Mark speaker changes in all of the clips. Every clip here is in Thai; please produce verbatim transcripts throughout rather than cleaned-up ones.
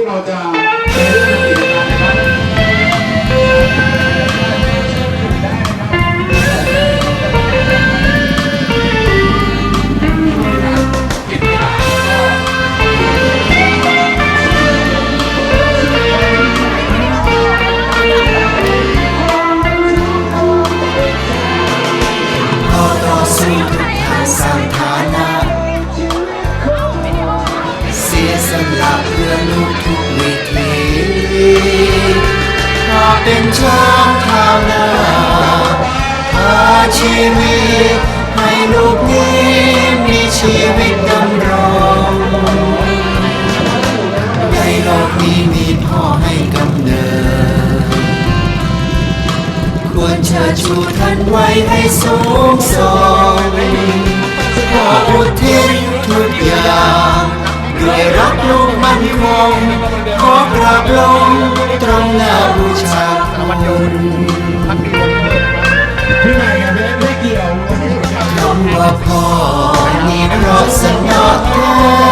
Speaker 1: เราจะใช้เรื่องกิจการนะครับ
Speaker 2: เป็นช้างเท้าหน้าพาชีวิตให้ลูกนี้มีชีวิตดำรงในโลกนี้มีพ่อให้กำเนิดควรเชิดชูท่านไว้ให้สูงส่งขออุทิศทุกอย่างด้วยรักลูกมั่นคงขอกราบลงตรงหน้าบูชาคุณ
Speaker 1: พี่ใหม่กับเบสไม่เกี่ยว
Speaker 2: คำว่าพ่อนี่เพราะสนอแท้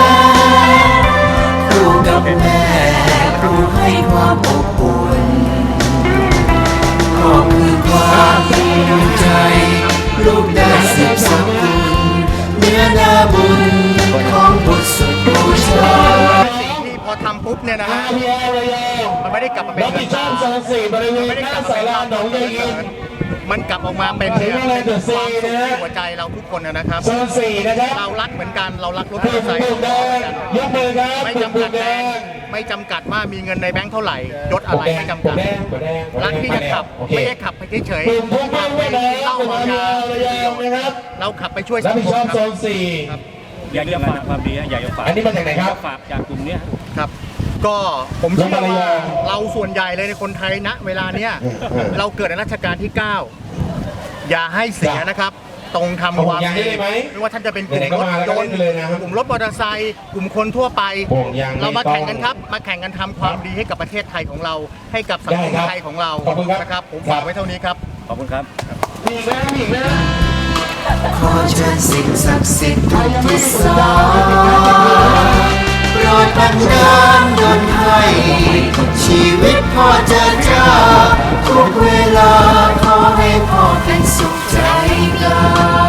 Speaker 2: ครูกับแม่ครูให้ความอบอุ่นขอคือความภูมิใจลูกได้สืบสกุลเนื้อนาบุญของบุตรสุดบูชา
Speaker 3: พอทำปุ๊บเนี่ยนะฮะมันไม่ได้กลับมาเป็นเงินตามันไม่ได้กลับมาเป็นเราหนองยายอินมันกลับออกมาเป็นเนี่ยเป็นความสุขที่หัวใจเราทุกคนนะครับเรารักเหมือนกันเรารักรถมอเตอร์ไซค์ไม่จำกัดแบงค์ไม่จำกัดว่ามีเงินในแบงค์เท่าไหร่ยศอะไรไม่จำกัดรักที่จะขับไม่ได้ขับไปเฉยๆขับไปเล่าเอาเราขับไปช่วยสังคมครับ
Speaker 4: อยากจะฝากความดีอยากจะฝาก
Speaker 1: อันนี้มาจากไหนครับ
Speaker 4: ฝากจากกลุ่มนี้
Speaker 3: ครับก็ผมเชื่อว่าเราส่วนใหญ่เลยในคนไทยณเวลาเนี้ยเราเกิดในรัชกาลที่เก้าอย่าให้เสียนะครับตรงทำความดีไม่ว่าท่านจะเป็นกลุ่มรถยนต์กลุ่มรถมอเตอร์ไซค์กลุ่มคนทั่วไปเรามาแข่งกันครับมาแข่งกันทำความดีให้กับประเทศไทยของเราให้กับสังคมไทยของเรานะครับผมฝากไว้เท่านี้ครับ
Speaker 4: ขอบคุณครับ
Speaker 1: อีกแล้วอีกแล้ว
Speaker 2: ขอเชิญสิ่งศักดิ์สิทธิ์ทุกที่สาโปรดบันดาลดลให้ชีวิตพ่อเจิดจ้าทุกเวลาขอให้พ่อเป็นสุขใจกาย